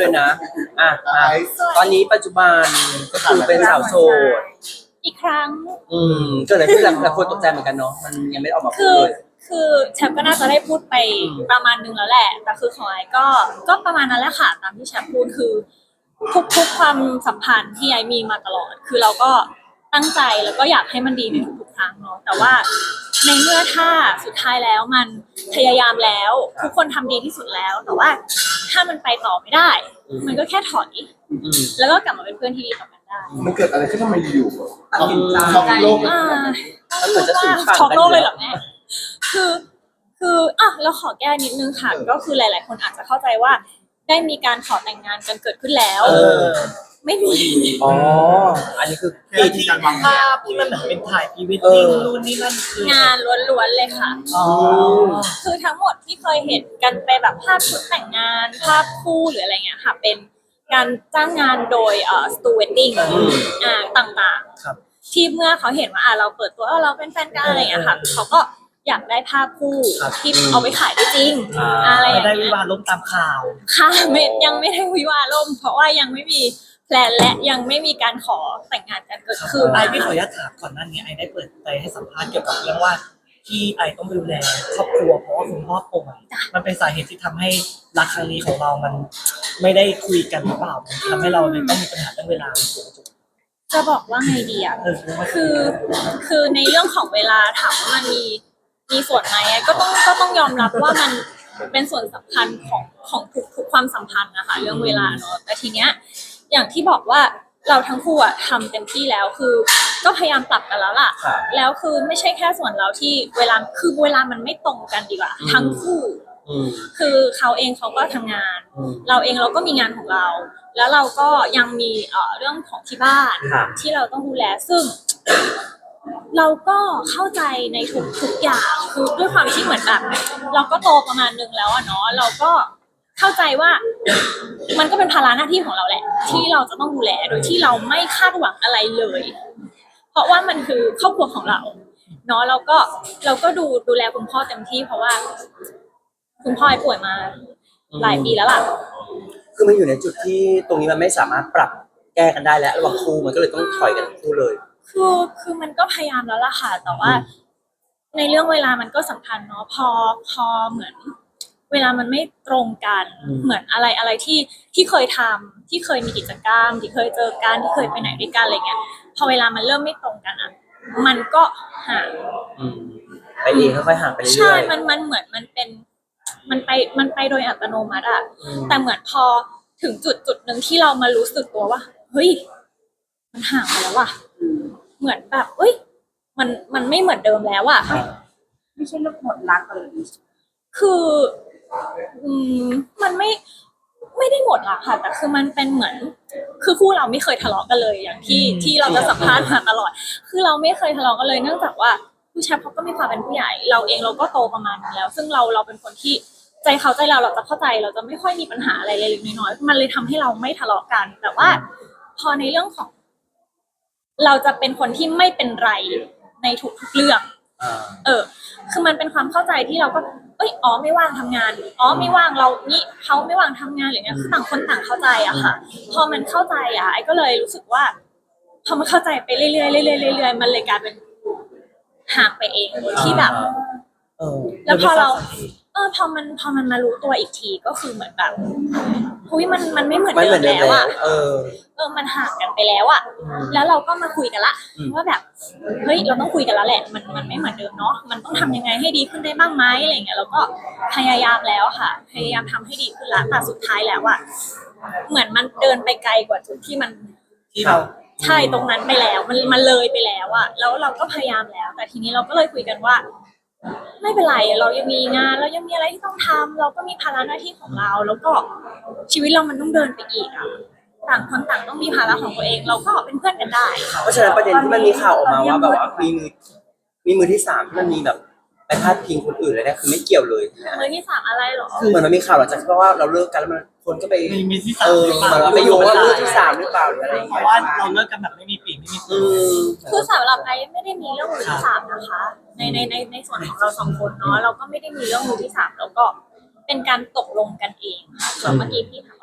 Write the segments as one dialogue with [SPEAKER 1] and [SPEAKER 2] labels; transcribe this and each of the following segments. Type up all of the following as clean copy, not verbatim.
[SPEAKER 1] เลยนะอ่ะมาตอนนี้ปัจจุบันก็คือเป็นสาวโสด
[SPEAKER 2] อีกครั้ง
[SPEAKER 1] เกิดอะไรขึ้นหลายคนตกใจเหมือนกันเนาะมันยังไม่ได้ออกมาพูดเลย
[SPEAKER 2] คือแชมป์ก็น่าจะได้พูดไปประมาณนึงแล้วแหละแต่คือของไอ้ก็ประมาณนั้นแหละค่ะตามที่แชมป์พูดคือทุกความสัมพันธ์ที่ไอ้มีมาตลอดคือเราก็ตั้งใจแล้วก็อยากให้มันดีในทุกๆครั้งเนาะแต่ว่าในเมื่อถ้าสุดท้ายแล้วมันพยายามแล้วทุกคนทำดีที่สุดแล้วแต่ว่าถ้ามันไปต่อไม่ได้ มันก็แค่ถอยแล้วก็กลับมาเป็นเพื่อนที่ดีต่อกันได้
[SPEAKER 3] มันเกิดอะไรขึ้นทำไมอยู่
[SPEAKER 1] ตัดสินใจ
[SPEAKER 3] ช็อกโลก
[SPEAKER 1] มันเหมือนจะสูญฝั่ง
[SPEAKER 2] ช็อก
[SPEAKER 1] กัน
[SPEAKER 2] โลกเลยเหรอแม่คือเราขอแก้นิดนึงค่ะก็คือหลายๆคนอาจจะเข้าใจว่าได้มีการขอแต่งงานกันเกิดขึ้นแล้วไม่มี
[SPEAKER 1] อ๋ออันนี้คือ
[SPEAKER 4] ที่การวางภาพที่มันเหมือนเป็นถ่ายพรีเวดดิ้งนู่นนี่นั่นคือง
[SPEAKER 2] านล้วนๆเลยค่ะคือทั้งหมดที่เคยเห็นกันไปแบบภาพชุดแต่งงานภาพคู่หรืออะไรเงี้ยค่ะเป็นการจ้างงานโดยสตูเวดดิ้งต่างๆที่เมื่อเขาเห็นว่าเราเปิดตัวเราเป็นแฟนกันอะไรเงี้ยค่ะเขาก็อยากได้ภาพคู่ที่เอาไปขายได้จริงอะไรอย่างเงี้ย
[SPEAKER 4] ได้วิวาห์ล้มตามข่าว
[SPEAKER 2] ค่ะยังไม่ได้วิวาห์ล่มเพราะว่ายังไม่มีแพลนและยังไม่มีการขอแต่งงานกันเกิดขึ้น
[SPEAKER 4] ไอไม่ขออนุญาตถามก่อนหน้านี้ไอได้เปิดใจให้สัมภาษณ์เกี่ยวกับเรื่องว่าที่ไอต้องดูแลครอบครัวเพราะว่าคุณพ่อป่วยมันเป็นสาเหตุที่ทำให้รักครั้งนี้ของเรามันไม่ได้คุยกันหรือเปล่าทำให้เราเลยต้องมีปัญหาเรื่องเวลา
[SPEAKER 2] จะบอกว่าไงดีอะคือในเรื่องของเวลาถามว่ามันมีส่วนไหมก็ต้องยอมรับว่ามันเป็นส่วนสำคัญของทุกความสัมพันธ์นะคะเรื่องเวลาเนาะแต่ทีเนี้ยอย่างที่บอกว่าเราทั้งคู่อะทำเต็มที่แล้วคือก็พยายามปรับกันแล้วล่ะแล้วคือไม่ใช่แค่ส่วนเราที่เวลามันไม่ตรงกันดีกว่าทั้งคู่คือเขาเองเขาก็ทำงานเราเองเราก็มีงานของเรา แล้วเราก็ยังมีเรื่องของที่บ้านที่เราต้องดูแลซึ่งเราก็เข้าใจในทุกอย่างคือด้วยความที่เหมือนแบบเราก็โตประมาณนึงแล้วอะเนาะเราก็เข้าใจว่ามันก็เป็นภาระหน้าที่ของเราแหละที่เราจะต้องดูแลโดยที่เราไม่คาดหวังอะไรเลยเพราะว่ามันคือครอบครัวของเราเนาะเราก็ดูแลคุณพ่อเต็มที่เพราะว่าคุณพ่อป่วยมาหลายปีแล้วล่ะ
[SPEAKER 1] คือมันอยู่ในจุดที่ตรงนี้มันไม่สามารถปรับแก้กันได้แล้วระหว่างคู่มันก็เลยต้องถอยกันคู่เลย
[SPEAKER 2] คือมันก็พยายามแล้วล่ะค่ะแต่ว่าในเรื่องเวลามันก็สำคัญเนาะพอเหมือนเวลามันไม่ตรงกันเหมือนอะไรที่เคยทำที่เคยมีกิจกรรมที่เคยเจอกันที่เคยไปไหนด้วยกันอะไรเงี้ยพอเวลามันเริ่มไม่ตรงกันอ่ะมันก็ห่าง
[SPEAKER 1] ไปเองค่อยๆห่างไปเรื่อยๆ
[SPEAKER 2] ใช่มันเหมือนมันไปโดยอัตโนมัติอ่ะแต่เหมือนพอถึงจุดหนึ่งที่เรามารู้สึกตัวว่าเฮ้ยมันห่างไปแล้วว่ะเหมือนแบบเอ้ยมันไม่เหมือนเดิมแล้วอ่ะ
[SPEAKER 5] ไม่ใช่เรื่องหมดรักเลย
[SPEAKER 2] คือมันไม่ได้หมดรักค่ะแต่คือมันเป็นเหมือนคือคู่เราไม่เคยทะเลาะกันเลยอย่างที่เราจะสัมภาษณ์มาตลอดคือเราไม่เคยทะเลาะกันเลยเนื่องจากว่าผู้ชายเขาก็มีความเป็นผู้ใหญ่เราเองเราก็โตประมาณนึงแล้วซึ่งเราเป็นคนที่ใจเขาใจเราจะเข้าใจเราจะไม่ค่อยมีปัญหาอะไรเล็กๆน้อยๆมันเลยทำให้เราไม่ทะเลาะกันแต่ว่าพอในเรื่องของเราจะเป็นคนที่ไม่เป็นไรในทุกๆเรื่องคือมันเป็นความเข้าใจที่เราก็ไม่ว่างทำงานไม่ว่างเรานี่เขาไม่ว่างทำงานหรือเงี้ยต่างคนต่างเข้าใจอะค่ะพอมันเข้าใจอะไอ้ก็เลยรู้สึกว่าพอมันเข้าใจไปเรื่อยๆเรื่อยๆมันเลยกลายเป็นห่างไปเองโดยที่แบบแล้วพอมันมารู้ตัวอีกทีก็คือเหมือนแบบมันไม่เหมือนเดิมแล้วอ่ะมันห่างกันไปแล้วอ่ะแล้วเราก็มาคุยกันละว่าแบบเฮ้ยเราต้องคุยกันแล้วแหละมันไม่เหมือนเดิมเนาะมันต้องทำยังไงให้ดีขึ้นได้บ้างไหมอะไรเงี้ยเราก็พยายามแล้วค่ะพยายามทำให้ดีขึ้นละแต่สุดท้ายแล้วอ่ะเหมือนมันเดินไปไกลกว่าจุดที่
[SPEAKER 4] เรา
[SPEAKER 2] ใช่ตรงนั้นไปแล้วมันเลยไปแล้วอ่ะแล้วเราก็พยายามแล้วแต่ทีนี้เราก็เลยคุยกันว่าไม่เป็นไรเรายังมีงานเรายังมีอะไรที่ต้องทำเราก็มีภาระหน้าที่ของเราแล้วก็ชีวิตเรามันต้องเดินไปอีกอ่ะต่างคนต่างต้องมีภาระของตัวเองเราก็เป็นเพื่อนกันได้
[SPEAKER 1] เพราะฉะนั้นประเด็นที่มันมีข่าวออกมาว่าแบบว่ามีมือที่สามที่มันมีแบบไปพาดพิงคนอื่นเลยนะคือไม่เกี่ยวเลย
[SPEAKER 2] มือที่สามอะไรหรอ
[SPEAKER 1] เหมือนมันมีข่าวหลังจากที่ว่าเราเลิกกันแล้วมันคนก็ไป
[SPEAKER 4] มีที่สาม
[SPEAKER 1] ไปโยงว่ามือที่สามหรือเปล่าหรืออะไร
[SPEAKER 4] เพราะว่าเราเลิกกันแบบไม่มีปีกไม่มีตัว
[SPEAKER 2] คือสำหรับไอ้ไม่ได้มีเรื่องมือที่สามนะคะในส่วนของเราสองคนเนาะเราก็ไม่ได้มีเรื่องมือที่สามแล้วก็เป็นการตกลงกันเองค่ะเมื่อกี้พี่ถามว่า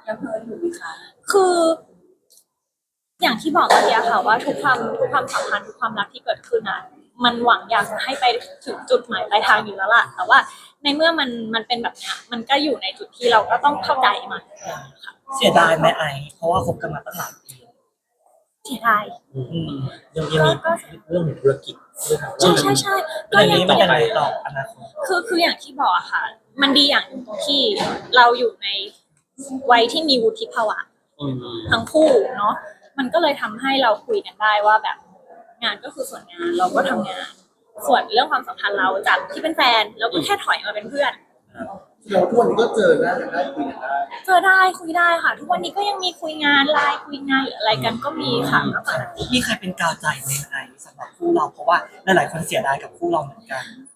[SPEAKER 5] ยังเพลินอยู่ไหมคะ
[SPEAKER 2] คือ อย่างที่บอกเมื่อกี้ค่ะว่าทุกความสัมพันธ์ทุกความรักที่เกิดขึ้นอ่ะมันหวังอยากจะให้ไปถึงจุดหมายปลายทางอยู่แล้วล่ะแต่ว่าในเมื่อมันเป็นแบบเนี้ยมันก็อยู่ในจุดที่เราก็ต้องเข้าใจมันค่ะ
[SPEAKER 4] เสียดายไหมไอเพราะว่าคบกันมาตั้งหลายปี
[SPEAKER 2] เสียดาย
[SPEAKER 3] ยังมีเรื่องของธุรกิจด้วยครับ
[SPEAKER 2] ใช่
[SPEAKER 4] เรื่องนี้มันยังไงต่ออนาคต
[SPEAKER 2] คืออย่างที่บอกอะค่ะ มันดีอย่างหนึ่งตรงที่เราอยู่ในวัยที่มีวุฒิภาวะ ทั้งคู่เนาะมันก็เลยทำให้เราคุยกันได้ว่าแบบงานก็คือส่วนงานเราก็ทำงาน ส่วนเรื่องความสัมพันธ์เราจากที่เป็นแฟนเราก็แค่ถอยมาเป็นเพื่อน
[SPEAKER 3] เราทุกวันนี้ก็เจอหน้ากันได้คุยกันได้
[SPEAKER 2] เจอได้คุยได้ค่ะ ทุกวันนี้ก็ยังมีคุยงานไลน์คุยงานหรืออะไรกันก็มีค่ะปกติ
[SPEAKER 4] มีใครเป็นกาวใจในไอสำหรับคู่เราเพราะว่าหลายๆคนเสียดายกับคู่เราเหมือนกัน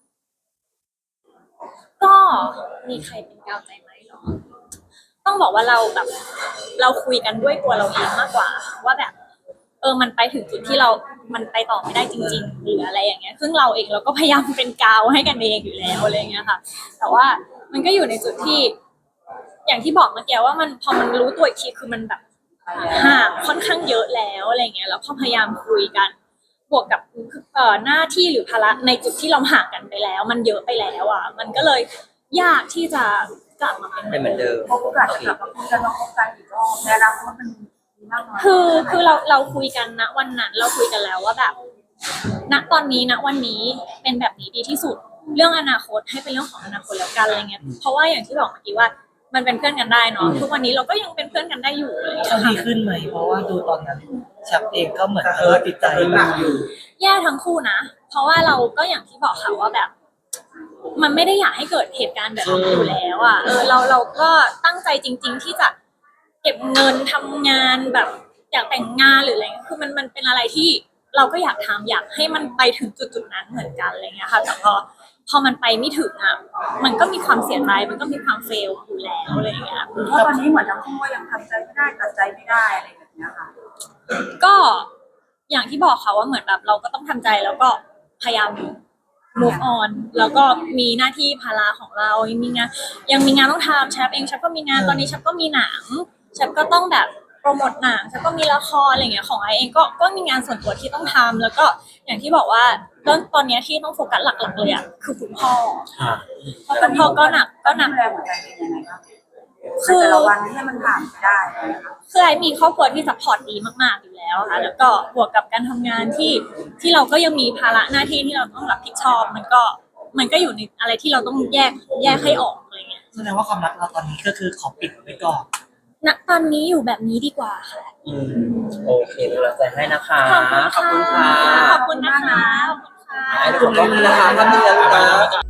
[SPEAKER 2] ก็มีใครเป็นกาวใจไหมเหรอต้องบอกว่าเราแบบเราคุยกันด้วยตัวเราเองมากกว่า ว่าแบบมันไปถึงจุดที่มันไปต่อไม่ได้จริงๆหรืออะไรอย่างเงี้ยซึ่งเราเองเราก็พยายามเป็นกาวให้กันเองอยู่แล้วอะไรอย่างเงี้ยค่ะ แต่ว่ามันก็อยู่ในจุดที่ อย่างที่บอกเมื่อกี้ว่ามันพอมันรู้ตัวอีกทีคือมันแบบห่างค่อนข้างเยอะแล้วอะไรเงี้ยแล้วพอพยายามคุยกันบวกกับหน้าที่หรือภาระในจุดที่เราห่างกันไปแล้ว มันเยอะไปแล้วอ่ะมันก็เลยยากที่จะกลับมาเป็น
[SPEAKER 1] เป็นเหมือนเดิม
[SPEAKER 5] โอกาสจะกลับมาคุยกันลองคบกันอีกรอบในอนาคตมันมีมากน้อย
[SPEAKER 2] คือเราคุยกันนะวันนั้นเราคุยกันแล้วว่าแบบณตอนนี้ณวันนี้เป็นแบบนี้ดีที่สุดเรื่องอนาคตให้เป็นเรื่องของอนาคตแล้วกันอะไรเงี้ยเพราะว่าอย่างที่บอกเมื่อกี้ว่ามันเป็นเพื่อนกันได้เนาะทุกวันนี้เราก็ยังเป็นเพื่อนกันได้อยู่อะไรเลย
[SPEAKER 4] เขาดีขึ้นไหมเพราะว่าดูตอนนั้นชับเองก็เหมือนติดใจ
[SPEAKER 3] หนักอยู่
[SPEAKER 2] แย่ทั้งคู่นะเพราะว่าเราก็อย่างที่บอกค่ะว่าแบบ มันไม่ได้อยากให้เกิดเหตุการณ์แบบนี้อยู่แล้วอ่ะเราก็ตั้งใจจริง ๆ ที่จะเก็บเงินทำงานแบบอยากแต่งงานหรืออะไรคือมันเป็นอะไรที่เราก็อยากทำอยากให้มันไปถึงจุดๆนั้นเหมือนกันอะไรเงี้ยค่ะแต่พอมันไปไม่ถึงอ่ะมันก็มีความเสียใจมันก็มีความเฟลอยู่แล้วอะไรเงี้ย
[SPEAKER 5] เพราะตอนนี้เหมือนทั้งคู่ก็ยังทำใจไม่ได้ตัดใจไม่ได้อะไรแบบเนี้ยค่ะ
[SPEAKER 2] ก็อย่างที่บอกค่ะว่าเหมือนแบบเราก็ต้องทำใจแล้วก็พยายาม move on แล้วก็มีหน้าที่ภาระของเรายังมีงานต้องทำแชปเองแชปก็มีงานตอนนี้แชปก็มีหนังแชปก็ต้องแบบโปรโมทหนังแชปก็มีละครอะไรอย่างเงี้ยของไอเองก็มีงานส่วนตัวที่ต้องทำแล้วก็อย่างที่บอกว่าตอนเนี้ยที่ต้องโฟกัสหลักๆเลยอ่ะคือคุณพ่อเพราะคุณพ่อก็หนัก
[SPEAKER 5] ดูแลหัวใจเป็นยังไงบ้างแต่ละวันให้มันผ่านไปได้นะคะ
[SPEAKER 2] คือไอมีครอบครัวที่ซัพพอร์ตดีมากๆอยู่แล้วค่ะแล้วก็บวกกับการทำงานที่เราก็ยังมีภาระหน้าที่ที่เราต้องรับผิดชอบมันก็อยู่ในอะไรที่เราต้องแยกให้ออกอะไรเงี้ย
[SPEAKER 4] แสดงว่าความรักเราตอนนี้ก็คือขอปิดไว้ก่อน
[SPEAKER 2] ณตอนนี้อยู่แบบนี้ดีกว่าค่ะ
[SPEAKER 1] โอเคเป็นกำลังใจให้นะคะ
[SPEAKER 2] ขอบคุณค่ะ
[SPEAKER 1] ขอบคุณค่ะ
[SPEAKER 2] ขอบคุณนะคะขอบคุณค่ะ
[SPEAKER 1] ไอ้ทุกคนขอบคุณนะคะท่านนี้แล้วนะ